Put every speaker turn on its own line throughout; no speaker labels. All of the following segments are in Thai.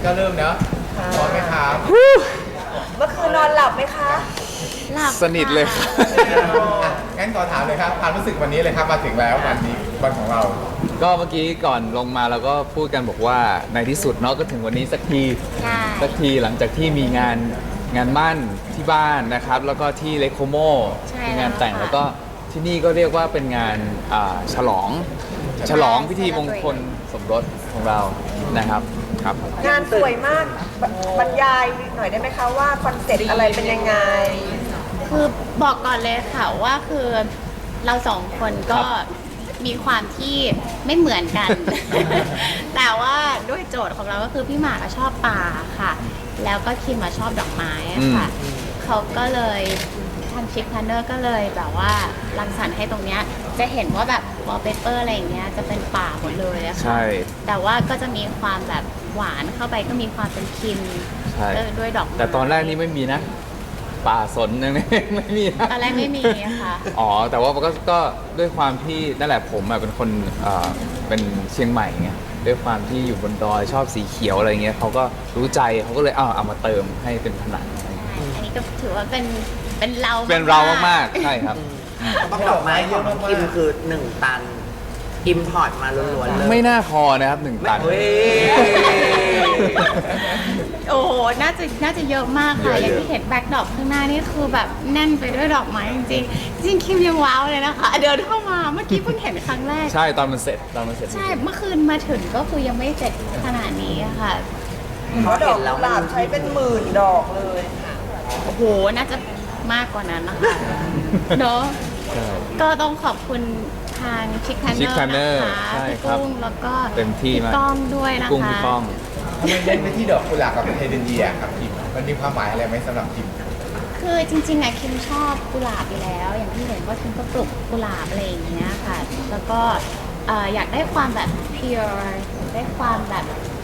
ก็เริ่มเนาะพร้อมไหมครับ
เมื่อคืนนอนหลับไหมคะ
หลับ
สนิทเลยครับ
อ่ะงั้นขอถามเลยครับความรู้สึกวันนี้เลยครับมาถึงแล้ววันนี้วันของเรา
ก็เมื่อกี้ก่อนลงมาเราก็พูดกันบอกว่าในที่สุดเนาะก็ถึงวันนี้สักที
ใช่
สักทีหลังจากที่มีงานมั่นที่บ้านนะครับ แล้วก็ที่เลโคโม
ใช่
มีงานแต่ง
แล้วค่ะ
แล้วก็ที่นี่ก็เรียกว่าเป็นงานฉลองพิธีมงคลสมรสของเรานะครับครับ
งานสวยมากบรรยายหน่อยได้ไหมคะว่าคอนเซ็ปต์อะไรเป็นยังไง
คือบอกก่อนเลยค่ะว่าคือเราสองคนก็มีความที่ไม่เหมือนกัน แต่ว่าด้วยโจทย์ของเราก็คือพี่หมากอะชอบป่าค่ะ แล้วก็คิมมาชอบดอกไม้อะค่ะเขาก็เลยทางชิคพลนเนอร์ก็เลยแบบว่ารังสรรค์ให้ตรงเนี้ยจะเห็นว่าแบบวอลเปเปอร์อะไรอย่างเงี้ยจะเป็นป่าหมดเลยอะค่ะ
ใช่
แต่ว่าก็จะมีความแบบหวานเข้าไปก็มีความเป็นคิม
ใช่
ด้วยดอกไม้
แต่ตอนแรกนี่ไม่มีนะ ป่าสนยัง ไม่มีนะ
ตอนแรกไม่มีอะค่ะ
อ๋อแต่ว่าก็ด้วยความที่นั่นแหละผมเป็นคนเป็นเชียงใหม่ไงด้วยความที่อยู่บนดอยชอบสีเขียวอะไรเงี้ยเขาก็รู้ใจเขาก็เลยเอามาเติมให้เป็นผนังอะไรเงี้ย
อันนี้ก็ถือว่าเป็นเรา
เป็นเรามากๆใช่ครับ
ดอกไม้ของน้องคิมคือ 1 ตัน อิมพอร์ตมาล้วนๆเลย
ไม่น่าพอนะครับ1 ตัน
เฮ้ย
โอ้โหน่าจะเยอะมากค่ะ
เยอะ
อย่างที่เห็นแบ็คดรอปข้างหน้านี่คือแบบแน่นไปด้วยดอกไม้จริงๆจริงคิมยังว้าวเลยนะคะ เดินเข้ามาเมื่อกี้เพิ่งเห็นครั้งแรก
ใช่ตอนมันเสร็จ
ใช่เมื่อคืนมาถึงก็คือยังไม่เสร็จขนาดนี้อะค่ะ
เพราะดอกกุหลาบใช้เป็นหมื่นดอกเลย
โอ้โหน่าจะมากกว่านั้นนะคะเนาะ
ใช่
ก็ต้องขอบคุณทางชิคแพนเนอ
Chick
ร์
Planner
นะคะ
ใช่
พี่
ครับ
กุ้งแล้วก็
เต็มที่มาก
พี่ก้องด้วยนะคะ
กุ้งพี่ก้อง
ทำไมเน้นไปที่ดอกกุหลาบกับเฮเดนเยียครับคิมมันมีความหมายอะไรไหมสำหรับคิม
คือจริงๆอะคิมชอบกุหลาบอยู่แล้ว อย่างที่เห็นว่าคิมก็ปลูกกุหลาบอะไรอย่างเงี้ยค่ะ แล้วก็อยากได้ความแบบ pure ได้ความแบบ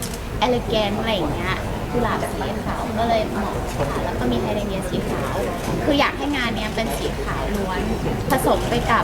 elegant อะไรอย่างเงี้ยกุหลาบสีขาวก็เลยเหมาะค่ะแล้วก็มีไฮเดรเนียสีขาว คืออยากให้งานเนี้ยเป็นสีขาวล้วนผสมไปกับ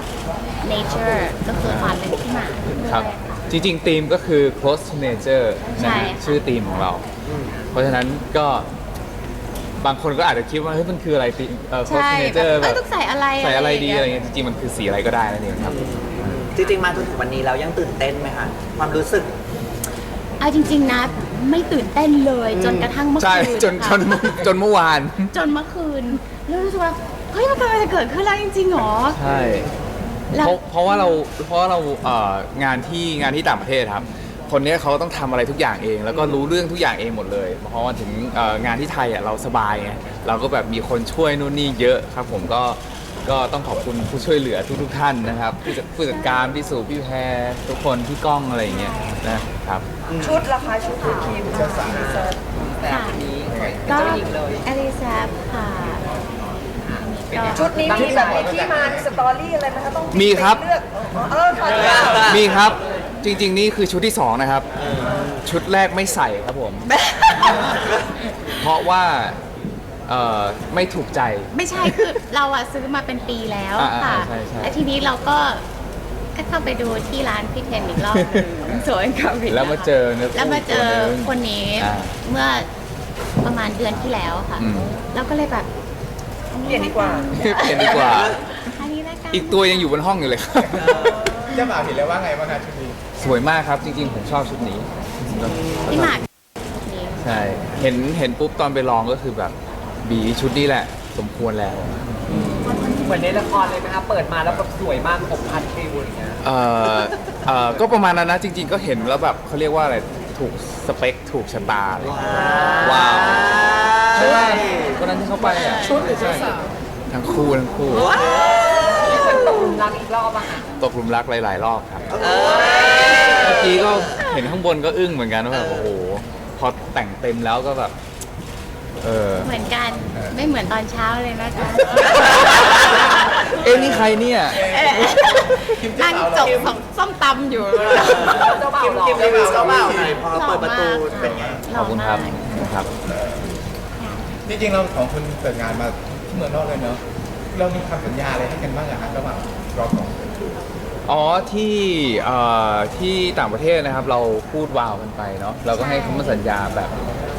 nature ก็คือความเป็นที่หมาด้วย
ครับ
ค่ะ
จริงๆธีมก็คือ close to nature
ใช่
นะ
ค่ะ
ชื่อธีมของเรา เพราะฉะนั้นก็บางคนก็อาจจะคิดว่าเฮ้ยมันคืออะไรธีมclose
ใช่
to
แบบ
nature แบบ
ต้องใส่อะไร
ใส่อะไรดีอะไร
ย่างเงี้ย
เงี้ยจริงๆมันคือสีอะไรก็ได้นั่นเองครับ
จริงๆ มาจนถึงวันนี้แล้วยังตื่นเต้นไหมคะ ความรู้สึก
เอาจริง ๆ นะไม่ตื่นเต้นเลยจนกระทั่งเมื่อ
ใช่
คืน
จน
ค่ะ
เมื่อวาน
จนเมื่อคืนแล้วรู้สึกว่าเฮ้ยมันกำลังจะเกิดขึ้นแล้วจริงๆหรอ
ใช่
แล้ว
เพราะว่าเรางานที่ต่างประเทศครับ คนเนี้ยเขาต้องทำอะไรทุกอย่างเอง แล้วก็รู้เรื่องทุกอย่างเองหมดเลยเพราะว่าถึงงานที่ไทยอ่ะเราสบายไงเราก็แบบมีคนช่วยนู่นนี่เยอะครับผมก็ต้องขอบคุณผู้ช่วยเหลือทุกท่านนะครับผู้จัดการพี่สุพี่แพรทุกคนพี่ก้องอะไรอย่างเงี้ยนะครับ
ชุดราคาชุดของคิม
เจ้าสาว
ค่ะก็อลิซาค่ะก็
ชุดนี้มีแบบมีที่มามีสตอรี่อะไรไหมคะต้อง
มีครับ
เลือกค่ะ
มีครับจริง ๆ นี่คือชุดที่ 2 นะครับ ชุดแรกไม่ใส่ครับผม เพราะว่าไม่ถูกใจ
ไม่ใช่คือเราอะซื้อมาเป็นปีแล้วค่ะ
ใช่ใช่
แล้วทีนี้เราก็เข้าไปดูที่ร้านพี่เทนอีกรอบหนึ่งสวยกับวิ
แล้วมาเจอเนื้อ
แล้วมาเจอ
คู่ตัวหนึ่ง
คนนี้
อ่า
เมื่อประมาณเดือนที่แล้วค่ะ
อืม
แล้วก็เลยแบบ
เปลี่ยนดีกว่า
เปลี่ยนดีกว่า
อันนี้ละกัน
อีกตัวยังอยู่บนห้องอยู่เลยครับ
เจ้าบ่าวเห็นแล้วว่าไงบ้างคะชุดนี้
สวยมากครับจริงๆ ผมชอบชุดนี้
พี่หมากนี่
ใช่เห็นปุ๊บตอนไปลองก็คือแบบบีชุดนี้แหละ สมควรแล้ว
เหมือนในละครเลยไหมคะเปิดมาแล้วแบบสวยมากผมพันฟิวอย่างเงี้ย
ก็ประมาณนั้นนะจริง ๆ ก็เห็นแล้วแบบเขาเรียกว่าอะไรถูกสเปคถูกชะตาเลยว้าวใช่ไหมวันนั้นที่เขาไปอ่ะใช่ทั้งคู่
นี่เป็นตกหลุมรักอีกรอบอะค่ะ
ตกหลุมรักหลายๆรอบครับเมื่อกี้ก็เห็นข้างบนก็อึ้งเหมือนกันว่าแบบโอ้โหพอแต่งเต็มแล้วก็แบบ
เหมือนกันไม่เหมือนตอนเช้าเลยนะคะ
เอ๊ะนี่ใครเนี่ย
นั่งจบของส้มตำอยู่
เจ้าบ่าว
คิม
หล่อ
คิมรีวิวเจ้าบ่าวหน่อยพอเปิดประตู
หล่อมาก
เป็นไง
ขอบคุณครับครับ
จริงๆเราสองคนเปิดงานมาที่เมืองนอกเลยเนาะเรามีคำสัญญาอะไรให้กันบ้างอะครับระหว่างเราสองคน
อ๋อที่ต่างประเทศนะครับ เราพูดวาวกันไปเนาะเราก็ให้คำมั่นสัญญาแบบ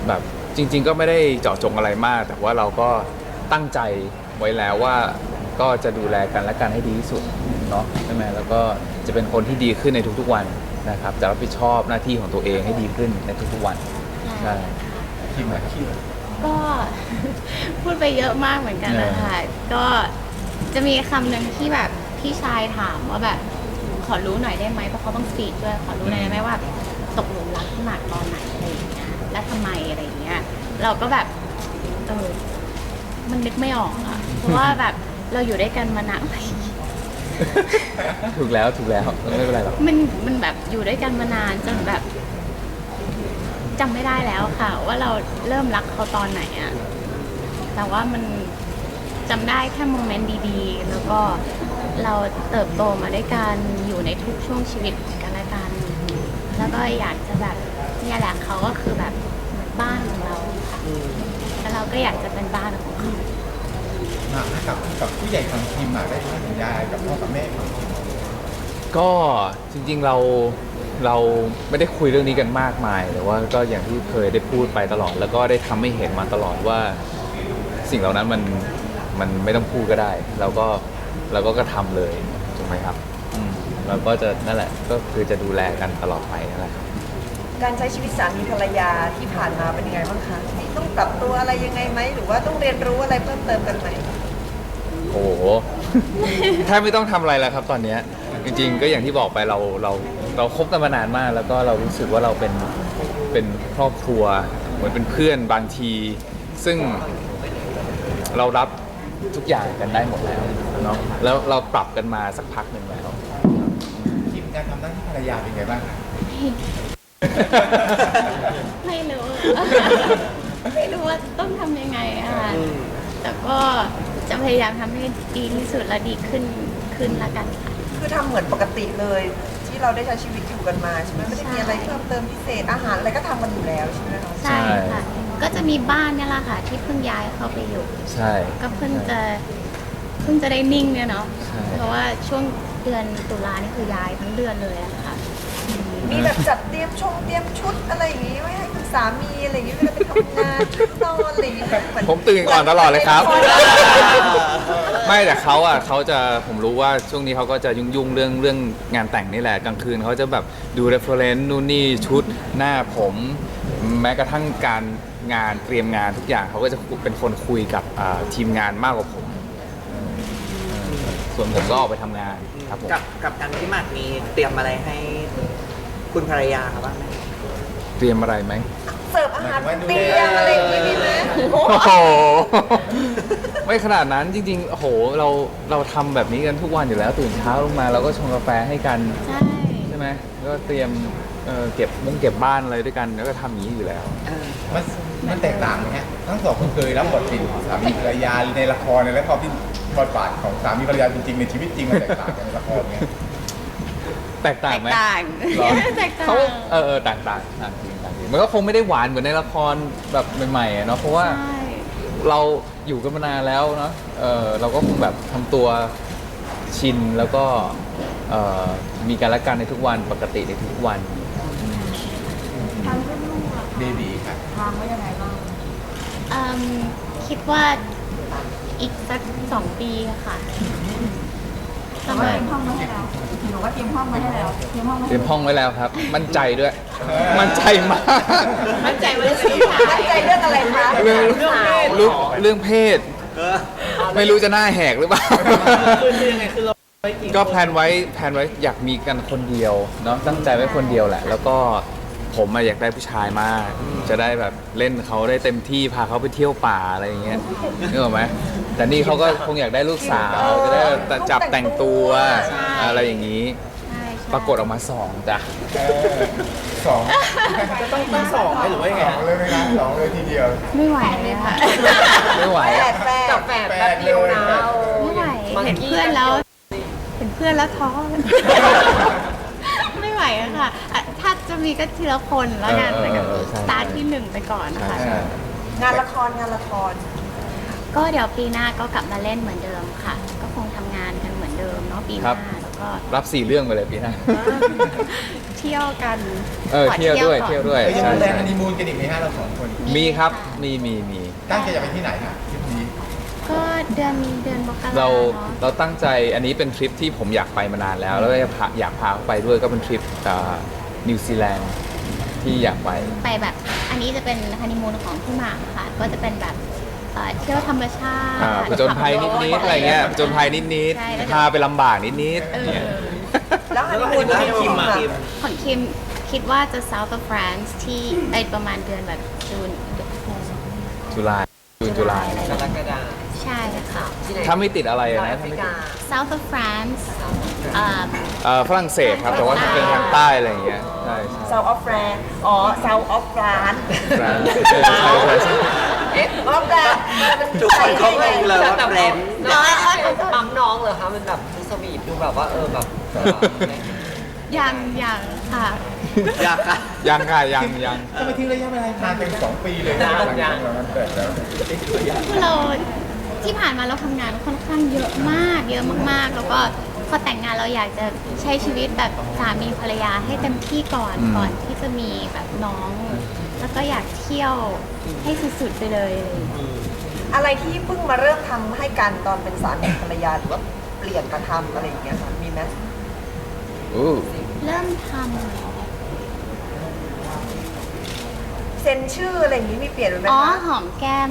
แบบจริง ๆ ก็ไม่ได้เจาะจงอะไรมาก แต่ว่าเราก็ตั้งใจไว้แล้วว่าก็จะดูแลกันและกันให้ดีที่สุดเนาะใช่ไหมแล้วก็จะเป็นคนที่ดีขึ้นในทุกๆวันนะครับจะรับผิดชอบหน้าที่ของตัวเองให้ดีขึ้นในทุกๆวันใช่
คิมอะคิม
ก็ พูดไปเยอะมากเหมือนกันนะคะก็จะมีคำหนึ่งที่แบบพี่ชายถามว่าแบบขอรู้หน่อยได้ไหมเพราะเขาต้องสปีดด้วยขอรู้หน่อยได้ไหมว่าตกหลุมรักหนักตอนไหนอะไรอย่างเงี้ยและทำไมอะไรอย่างเงี้ยเราก็แบบมันนึกไม่ออกอะเพราะว่าแบบเราอยู่ด้วยกันมานาน
ถูกแล้วไม่เป็นไรหรอก
มันแบบอยู่ด้วยกันมานานจนแบบจำไม่ได้แล้วค่ะ ว่าเราเริ่มรักเขาตอนไหนอะแต่ว่ามันจำได้แค่โมเมนต์ดีๆแล้วก็เราเติบโตมาด้วยกันอยู่ในทุกช่วงชีวิตกันและกัน แล้วก็อยากจะแบบเนี่ยแหละเขาก็คือแบบเหมือนบ้านของเราค่ะแล้วเราก็อยากจะเป็นบ้านของเขา
กับผู้ใหญ่ของคิมอะได้ให้สัญญาอะไรกับพ่อกับแม่ของคิม
ก็จริงๆเราไม่ได้คุยเรื่องนี้กันมากมายแต่ว่าก็อย่างที่เคยได้พูดไปตลอด แล้วก็ได้ทำให้เห็นมาตลอดว่าสิ่งเหล่านั้นมันไม่ต้องพูดก็ได้เราก็ทำเลยถูกไหมครับเราก็จะนั่นแหละก็คือจะดูแลกันตลอดไปนั่นแหละครับ
การใช้ชีวิตสามีภรรยาที่ผ่านมาเป็นยังไงบ้างคะต้องปรับตัวอะไรยังไงไหมหรือว่าต้องเรียนรู้อะไรเพิ่มเติมกันไหม
โอ้โห แทบไม่ต้องทำอะไรแล้วครับตอนเนี้ยจริงๆก็อย่างที่บอกไปเราคบกันมานานมาก แล้วก็เรารู้สึกว่าเราเป็นครอบครัวเหมือนเป็นเพื่อนบางที ซึ่งเรารับทุกอย่างกันได้หมดแล้วเนาะแล้วเราปรับกันมาสักพักหนึ่งแล้ว
คิมการทำหน้าที่ภรรยาเป็นไงบ้างคะ
ไม่รู้ ไม่รู้ว่าต้องทำยังไงอะค่ะแต่ก็จะพยายามทำให้ดีที่สุดและดีขึ้นละกันค่ะ
คือทำเหมือนปกติเลย ที่เราได้ใช้ชีวิตอยู่กันมาใช่ไหมไม่ได้มีอะไรเพิ่มเติมพิเศษอาหารอะไรก็ทำกันอยู่แล้วใช่ไหมคะ
ใช่ค่ะ ก็จะมีบ้านเนี่ยแหละค่ะ ที่เพิ่งย้ายเข้าไปอยู่
ใช่
ก็เพิ่งจะได้นิ่งเนี่ยเนาะ
ใช่
เพราะว่าช่วงเดือนตุลานี่คือย้ายทั้งเดือนเลยอะค่ะ
มีแบบจัดเตรียมชุดอะไรอย่างงี้ไว้ให้คุณสามีอะไรอย่างงี้เวลาไปทำงานชุดนอนอะไรอย่างงี้เหอน
ผมตื่นก่อนตลอดเลยครับ
หมือน
ไม่แต่เขาจะผมรู้ว่าช่วงนี้เขาก็จะยุ่งๆเรื่องงานแต่งนี่แหละกลางคืนเขาจะแบบดู reference นู่นนี่ชุดหน้าผมแม้กระทั่งการงานเตรียมงานทุกอย่างเขาก็จะเป็นคนคุยกับทีมงานมากกว่าผมส่วนผมก็ออกไปทำงานครับผม
กับการที่หมากมีเตรียมอะไรให้คุณภรรยาครับบ้างไหม
เตรียมอะไรไหม
เสิร์ฟอาหารเตรียมอะไรอย่างงี้มีไหม
โอ้โห ไม่ขนาดนั้นจริงๆโอ้โหเราทำแบบนี้กันทุกวันอยู่แล้วตื่นเช้าลงมาเราก็ชงกาแฟให้กัน
ใช่
ใช่ไหมก็เตรียมเก็บบ้านอะไรด้วยกันแล้วก็ทำอย่างนี้อยู่แล้ว
มันแตกต่างไหมฮะทั้งสองคนเคยรับบทเป็นสามีภรรยาในละครและพอที่บทบาทของสามีภรรยาจริงๆในชีวิตจริงมันแตกต่างกันในละครไง
แตกต่างไหม
ต่าง
เหรอ
แตกต่าง
เขาต่างจริงมันก็คงไม่ได้หวานเหมือนในละครแบบใหม่ๆอะเนาะเพราะว่า
ใช่
เราอยู่กันมานานแล้วเนาะเราก็คงแบบทำตัวชินแล้วก็มีการละกันในทุกวันปกติในทุกวัน
เบบีค่ะ
คิดว่าอีกสัก2 ปีค่ะ
แต่ว่าเตรียมห้องไว้ให้แล้วหนูว่าเตรียมห้องไว้ให้แล้วเตรียมห้องไว้
เตรียมห้องไว้แล้วครับ มั่นใจด้วย มั่นใจมาก
มั่นใจว่าจะเป็นผู้ชาย
ตั้งใจเรื่องอะไรคะ
เรื่องเพศ ไม่รู้จะหน้าแหกหรือเปล่า
คือยังไงคือเราไม่กิน
ก็แพลนไว้อยากมีกันคนเดียวเนาะตั้งใจไว้คนเดียวแหละ แล้วก็ผมอยากได้ผู้ชายมาก จะได้แบบเล่นเขาได้เต็มที่พาเขาไปเที่ยวป่าอะไรอย่างเงี้ยนึกออกไหมแต่นี่เขาก็คงอยากได้ลูกสาวจะได้จับแต่งตัวอะไรอย่างนี้
ใช่ใช่
ปรากฏออกมา2จ้ะ
สอง
จะต้องมีสองไหมหรือว่ายังไง
สองเลยไหมนะสองเลยทีเดียว
ไม่ไหวเลยค่ะ
ไม่ไหว
แป
อะ
ดแปด
กับแฝดแป๊บเดียวนะ
ไม่ไหว เห็นเพื่อนแล้วท้อ ไม่ไหวอะค่ะอ่ะถ้าจะมีก็ทีละคนแล้วกันแต่กับสตาร์ทที่1ไปก่อนนะคะ
ใช่
งานละคร
ก็เดี๋ยวปีหน้าก็กลับมาเล่นเหมือนเดิมค่ะ ก็คงทำงานกันเหมือนเดิมเนาะปีห
ครั
น้า
บ
แล้วก็
รับ4 เรื่องไปเลยปีหน้า
เที่ยวกัน ขอ
เที่ยวด้วย
ก่อน
เที่ยวด้วย
เอ้ยยัง
ใช่
มีแรง
ใช่
ฮันนีมูนกันอีกไหมฮะเรา2 คน
มีครับ
ค่ะ
มี
ตั้งใจจะไปที่ไหนฮะทริปนี้
ก็เดือนมกรา
เรา
เนาะ
เราตั้งใจอันนี้เป็นทริปที่ผมอยากไปมานานแล้ว แล้วก็อยากพาเขาไปด้วยก็เป็นทริปนิวซีแลนด์ที่อยากไป
ไปแบบอันนี้จะเป็นฮันนีมูนของพี่หมากค่ะ ก็จะเป็นแบบเที่ยวธรรมชาติ
ผจญภัยนิดๆอะไรเงี้ยผจญภัยนิด
ใช่แล้ว
ๆพาไปลำบากนิด
เอ
ๆเนี่ย
อ
แล้วฮันนีมูนที่คิมอะ
ของคิมคิดว่าจะ South of France ที่ไปประมาณเดือนแบบจูน
จุฬาจูนจุฬา
กรกฎา
ใช่ค่ะ
ที่ไหน
ถ้าไม่ติดอะไร
แอ
นะ
ฟริกา
South of France
ฝรั่งเศสครับแต่ว่าเป็นทางใต้อะไรอย่างเงี้ยใช่ใช่
South of France อ๋อ South of France
ใช่ใช่
เอ๊ะ
ออฟFrance
ทุกคนก็งงเลยว่าเฟรนด์
น้องปั๊มน้องเหรอคะมันแบบดูสวีทดูแบบว่าแบบ
ยังค่ะ
อยากค่ะ
ยังค่ะยัง
ทำไมทิ้งระยะเวลานานเป็น2 ปีเลยนะหลังจากนั้นเกิดแล้ว
คือเราที่ผ่านมาเราทำงานค่อนข้างเยอะมากแล้วก็พอแต่งงานเราอยากจะใช้ชีวิตแบบสามีภรรยาให้เต็มที่ก่อนที่จะมีแบบน้อง แล้วก็อยากเที่ยวให้สุดๆไปเลยอะไรอย่างเงี้ย
อะไรที่เพิ่งมาเริ่มทำให้กันตอนเป็นสามีภรรยาหรือว่าเปลี่ยนมาทำอะไรอย่างเงี้ยค่ะมีไหม
อู้
เริ่มทำเหรอ
เซ็นชื่ออะไรอย่างงี้มีเปลี่ยนไหม
อ๋อ
คะ
หอมแก้ม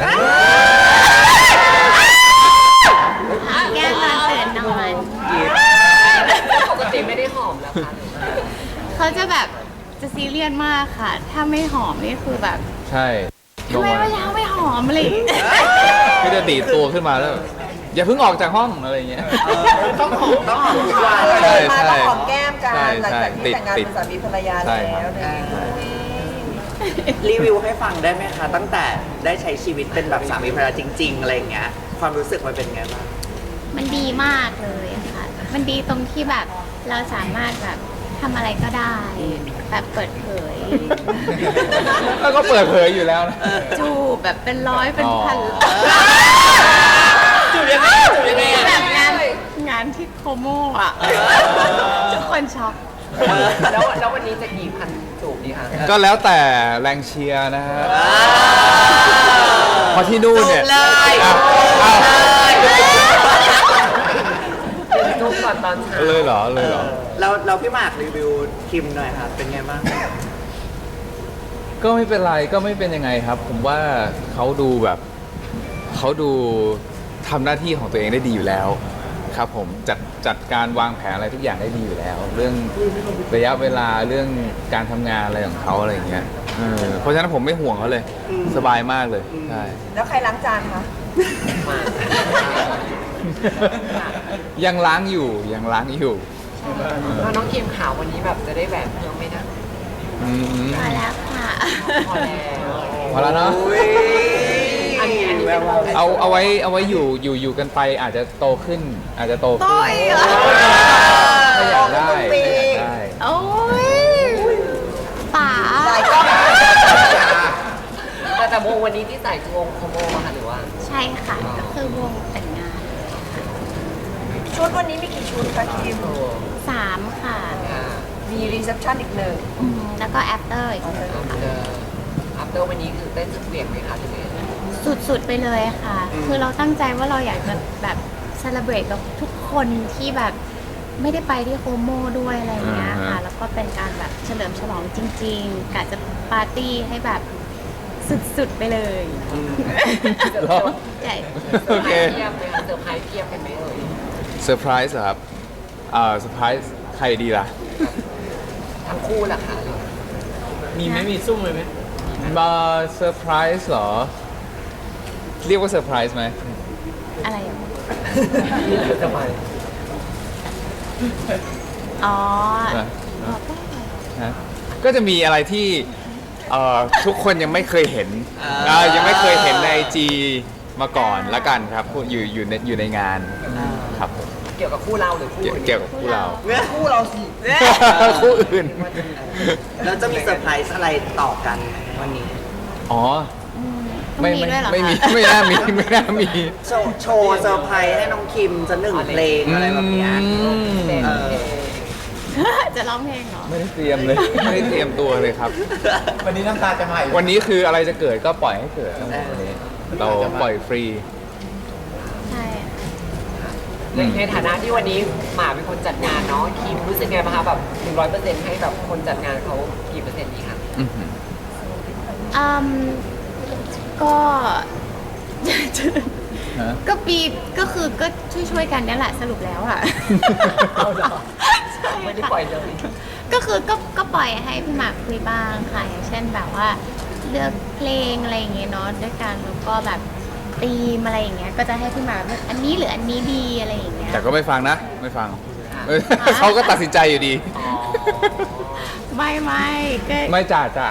หอมแก้มตอนตื่นนอน
ปกติไม่ได้หอมแล้วค่ะ
เขาจะแบบจะซีเรียสมากค่ะ ถ้าไม่หอมนี่คือแบบ
ใช่
ทำไมเมื่อเช้าไม่หอมอะไรอย่างเลย
ก็จะดีดตัวขึ้นมาแล้ว อย่าเพิ่งออกจากห้องอะไรอย่างเงี้ย
ต้องหอมทุกวัน
ใช่
มา
ใช่
ต้องหอมแก้มกัน
ใช่
หลัง
ใช่
จากที่แต่งงาน
ติด
เป็นสามีภรรยา
ใช่
แล้ว
ครับ
เนี่ย
รีวิวให้ฟังได้ไหมคะ ตั้งแต่ได้ใช้ชีวิตเป็นแบบสามีภรรยาจริง ๆ อะไรอย่างเงี้ย ความรู้สึกมันเป็นไงบ้าง
มันดีมากเลยอะค่ะ มันดีตรงที่แบบเราสามารถแบบทำอะไรก็ได้ แบบเปิดเผย
แล้วก็เปิดเผยอยู่แล้วนะ
จูบแบบเป็นร้อยเป็นพัน
จูบยังไงจูบยังไง
แบบงานที่โคโมอ่ะ ทุกคนช็อก
แล้ววันนี้จะกี่พันจูบดีคะ
ก็แล้วแต่แรงเชียร์นะฮะเพอที่นู่นเนี่ย
จูบเลย
อ้าว
จูบก่อนตอนเช้า
เลยเหรอ
เราพี่หมากรีวิวคิมหน่อยค่ะ เป็นไงบ้าง
ก็ไม่เป็นไรก็ไม่เป็นยังไงครับ ผมว่าเขาดูแบบเขาดูทำหน้าที่ของตัวเองได้ดีอยู่แล้วครับผมจัดการวางแผนอะไรทุกอย่างได้ดีอยู่แล้ว เรื่องระยะเวลาเรื่องการทำงานอะไรของเขาอะไรอย่างเงี้ยเพราะฉะนั้นผมไม่ห่วงเขาเลย สบายมากเลยใช่
แล้วใครล้างจานคะ
ยังล้างอยู่
แล้วน้องคิมขาววันนี้แบบจะได้แหวนเพิ่มไหมนะ
อืม
มาแล้วค่ะ
พอแล้ว
พอแล้วเนาะ
อันนี้เป็น
เอาไว้อยู่กันไปอาจจะโตขึ้น อาจจะโตขึ้น
โตอีกเหรอ
ถ้าอยากได้
โอ้ยป๋า
หลายกล้อง
แต่วงวันนี้ที่ใส่คือวงโคโมอะค่ะหรือว่า
ใช่ค่ะ ก็คือวงแต่งงาน
ชุดวันนี้มีกี่ชุดคะคิม
3 ค่ะ
มีรีเซพชันอีกหนึ่ง
แล้วก็ after อีกหนึ่งค่ะ
อัพเดอร์วันนี้คือเต้นสุดเวียงไหมคะที่นี่
สุดๆไปเลยค่ะ คือเราตั้งใจว่าเราอยากจะแบบเซเลบรตกับทุกคนที่แบบไม่ได้ไปที่โคโมด้วยอะไรอย่างเงี้ยค่ะ แล้วก็เป็นการแบบเฉลิมฉลองจริงๆกะจะปาร์ตี้ให้แบบสุดๆไปเลย
เหรอ
ใช่
โอเค
เพียบไหมคะเซอร์ไพรส์เพียบเป็นไหมเอ่ย
เซอร์ไพรส์เหรอครับเซอร์ไพรส์ใครดีล่ะ
ทั้งคู่ล่ะค่ะ
มีไหมมีซุ่ม
มาเซอร์ไพรส์เหรอ เรียกว่าเซอร์ไพรส์ไหม
อะไรอ่ะ
จะไป
อ๋อ
ฮะก็จะมีอะไรที่ทุกคนยังไม่เคยเห็นยังไม่เคยเห็นใน IG มาก่อนละกันครับอยู่ในงานครับผม
เกี่ยวกับคู่เราหรือคู่อื่น
เกี่ยวกับคู่เรา
คู่เราสิ
คู่อื่น
แล้วจะมีเซอร์ไพรส์อะไรต่อกันวันนี้
อ๋อ
ต้องมีด้วยเหรอคะ
ไม่มีไม่น่ามีไม่น่ามี
โชว์เซอร์ไพรส์ให้น้องคิมจะหนึ่งเพลงอะไรแบบเนี้ยเออ
จะร้องเพลงเหรอ
ไม่ได้เตรียมเลย ไม่ได้เตรียมตัวเลยครับ
วันนี้น้ำตาจะมาอีก
วันนี้คืออะไรจะเกิดก็ปล่อยให้เกิดครับวันนี้เราปล่อยฟรี
ใช่
ในฐานะที่วันนี้หมาเป็นคนจัดงานเนาะคิมรู้สึกไงบ้างคะแบบ100%ให้แบบคนจัดงานเขากี่เปอร์เซ็นต์ดีคะ
อื้อหือ
อืมก็
ฮะ
ก็ปีก็คือก็ช่วยๆกันนี่แหละสรุปแล้วอะ
เอาเหรอ
ใช่
ไม่ได้
ค่ะ
ปล่อยเลย
ก็คือก็ปล่อยให้พี่หมากคุยบ้างค่ะอย่างเช่นแบบว่าเลือกเพลงอะไรอย่างเงี้ยเนาะด้วยกันแล้วก็แบบธีมอะไรอย่างเงี้ยก็จะให้พี่หมากเลือกอันนี้หรืออันนี้ดีอะไรอย่างเงี้ย
แต่ก็ไม่ฟังนะ ไม่ฟังเขาก็ตัดสินใจอยู่ดี
อ๋อ
ไม่ก็
ไม่จ่าจ่า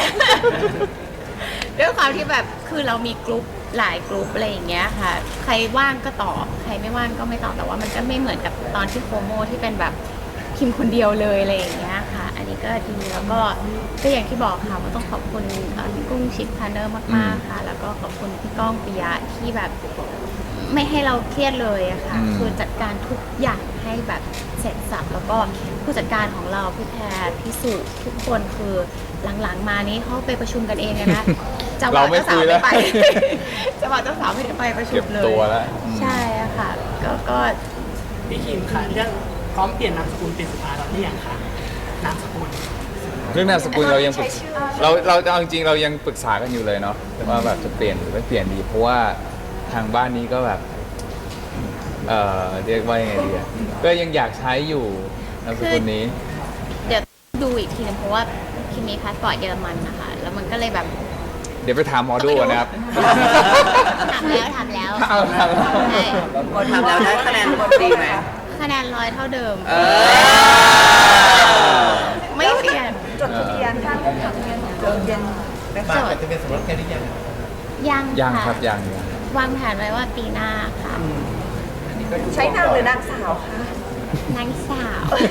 ด้วยความที่แบบคือเรามีกลุ่มหลายกลุ่มอะไรอย่างเงี้ยค่ะ ใครว่างก็ตอบใครไม่ว่างก็ไม่ตอบแต่ว่ามันก็ไม่เหมือนกับตอนที่โคโมที่เป็นแบบพิมพ์คนเดียวเลยอะไรอย่างเงี้ยค่ะ อันนี้ก็ดีแล้วก็อย่างที่บอกค่ะว่าต้องขอบคุณพี่กุ้งชิคพาร์เนอร์มากๆค่ะ แล้วก็ขอบคุณพี่ก้องปิยะที่แบบไม่ให้เราเครียดเลยอะค่ะ คือจัดการทุกอย่างให้แบบเสร็จสับแล้วก็ผู้จัดการของเราพี่แพรพี่สุทุกคนคือหลังๆมานี้เขาไปประชุมกันเองนะจังหวะ
เราไม่
เจ้า
คุ
สาวย
แล้
ไม่
ว
ไป จังหวะเจ้าสาวไม่ได้ไปประชุ
เก็
ม
บ
เลย
ตัวแล้ว
ใช่อะค่ะก็
พี่คิมค่ะเรื่องพร้อมเปลี่ยนนามสกุลเป็นสุภาเราหรือยังคะนามสกุล
เรื่องนามสกุลเรายังปรึก
ใช้ชื่อ
เราเอาจริงๆเรายังปรึกษากันอยู่เลยเนาะว่าแบบจะเปลี่ยนหรือไม่เปลี่ยนดี เพราะว่าทางบ้านนี้ก็แบบเรียกว่ายังไงดีอะก็ยังอยากใช้อยู่นามสกุลนี้
เดี๋ยวดูอีกทีนึงเพราะว่าคิมมีพาสปอร์ตเยอรมันนะคะ แล้วมันก็เลยแบบ
เดี๋ยวไปถามหมอดูก่อนนะครับ
ถามแล้ว
เอาถามแล้ว
ใช่
ทำแล้วได้คะแนนดีไหม
คะแนน100เท่าเดิม
เออ
ไม่เปลี่ยน
จดทะเบียนข้างจดทะเบียนไหม
มา
คะ
อาจจะเป็นสมรสกันหรือยัง
ยัง
ยัง
ะ
ครับยัง
วางแผนไว้ว่าปีหน้าค่ะ
ใช้นางหรือนางสาวคะ
นางสาว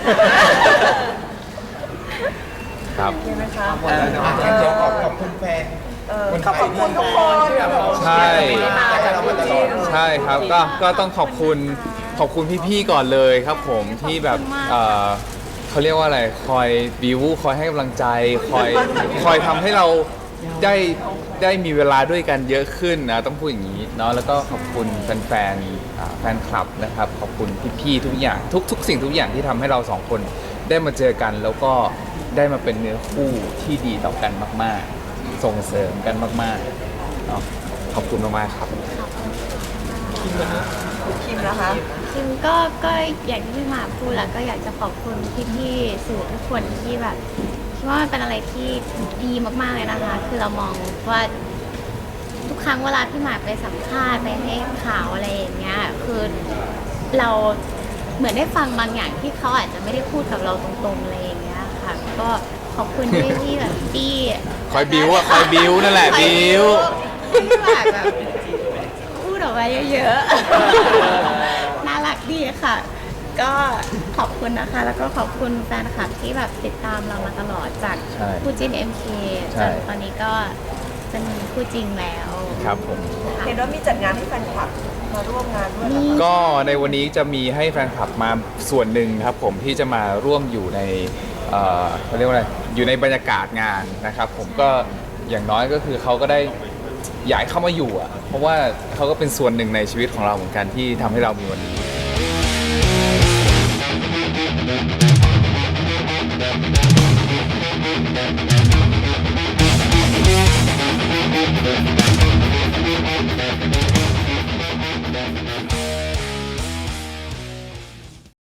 ครับ
ใช่ไหมคะ
อ่ะงั้นเดี๋ยวขอบคุณแฟน
ขอบคุณทุกคน
ใช่
ที่เรามาตลอด
ใช่ครับก็ต้องขอบคุณพี่ๆก่อนเลยครับผมที่แบบเขาเรียกว่าอะไรคอยบิวคอยให้กำลังใจคอยทำให้เราได้มีเวลาด้วยกันเยอะขึ้นนะต้องพูดอย่างนี้เนาะแล้วก็ขอบคุณแฟนคลับนะครับขอบคุณพี่ๆทุกอย่างทุกสิ่งทุกอย่างที่ทำให้เราสองคนได้มาเจอกัน แล้วก็ได้มาเป็นเนื้อคู่ที่ดีต่อกันมากๆ ส่งเสริมกันมากๆเนาะขอบคุณมากๆครับ
คิมนะคะ
คิมก็อย่างที่พี่หมาพูดแล้วก็อยากจะขอบคุณพี่ๆสื่อทุกคนที่แบบคิดว่ามันเป็นอะไรที่ดีมากๆเลยนะคะ คือเรามองว่าทุกครั้งเวลาพี่หมาไปสัมภาษณ์ไปให้ข่าวอะไรอย่างเงี้ยคือเราเหมือนได้ฟังบางอย่างที่เขาอาจจะไม่ได้พูดกับเราตรงๆอะไรอย่างเงี้ยค่ะ ก็ขอบคุณที่แบบที่
คอยบิวอะคอยบิวนั่นแหละบิว
ที่แบบพูดออกมาเยอะๆ น่ารักดีค่ะ ก็ขอบคุณนะคะ แล้วก็ขอบคุณแฟนคลับที่แบบติดตามเรามาตลอดจาก
ใช่
คู่จิ้น MK
ใช่
จนตอนนี้ก็เป็นคู่จริงแล้ว
ครับผม
เห็นว่ามีจัดงานให้แฟนคลับมาร่วมงานด้วยเหรอคะ
ก็ในวันนี้จะมีให้แฟนคลับมาส่วนหนึ่งครับผมที่จะมาร่วมอยู่ในเขาเรียกว่าอะไรอยู่ในบรรยากาศงานนะครับผมก็อย่างน้อยก็คือเขาก็ได้อยากให้เข้ามาอยู่อ่ะเพราะว่าเขาก็เป็นส่วนหนึ่งในชีวิตของเราเหมือนกันที่ทำให้เรามีวันนี้